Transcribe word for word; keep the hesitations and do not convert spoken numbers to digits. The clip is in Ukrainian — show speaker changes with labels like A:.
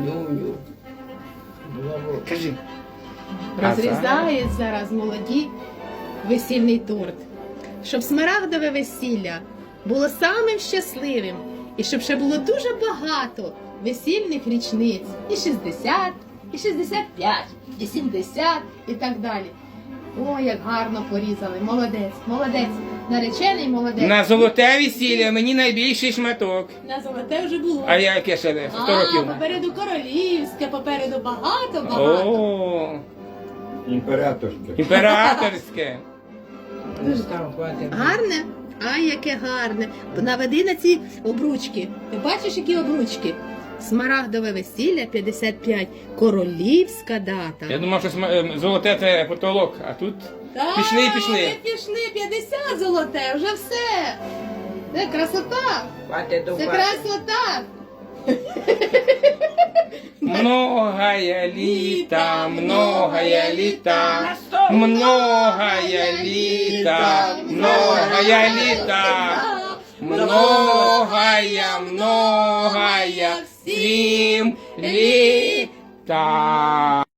A: цілую.
B: Кажи.
C: Розрізають зараз молоді весільний торт. Щоб смарагдове весілля було самим щасливим. І щоб ще було дуже багато весільних річниць. І шістдесят, і шістдесят п'ять, і сімдесят, і так далі. О, як гарно порізали. Молодець, молодець. Наречений молодець.
B: На золоте весілля мені найбільший шматок.
C: На золоте вже було.
B: А я яке ще сто
C: А,
B: років?
C: попереду королівське, попереду багато-багато.
B: О,
A: Імператорське.
B: імператорське.
C: Дуже
D: Там хватить.
C: гарне. Ай, яке гарне. Наведи на ці обручки. Ти бачиш, які обручки? Смарагдове весілля п'ятдесят п'ять. Королівська дата.
B: Я думав, що сма- ем, золоте це потолок, а тут
C: Так,
B: пішли, пішли.
C: Ми пішли, п'ятдесят золоте, вже все. Це красота.
D: Хватить до
C: Це
D: хватить.
C: красота.
B: Многая літа, многая літа, многая літа, многая літа, многая, многая всім літа.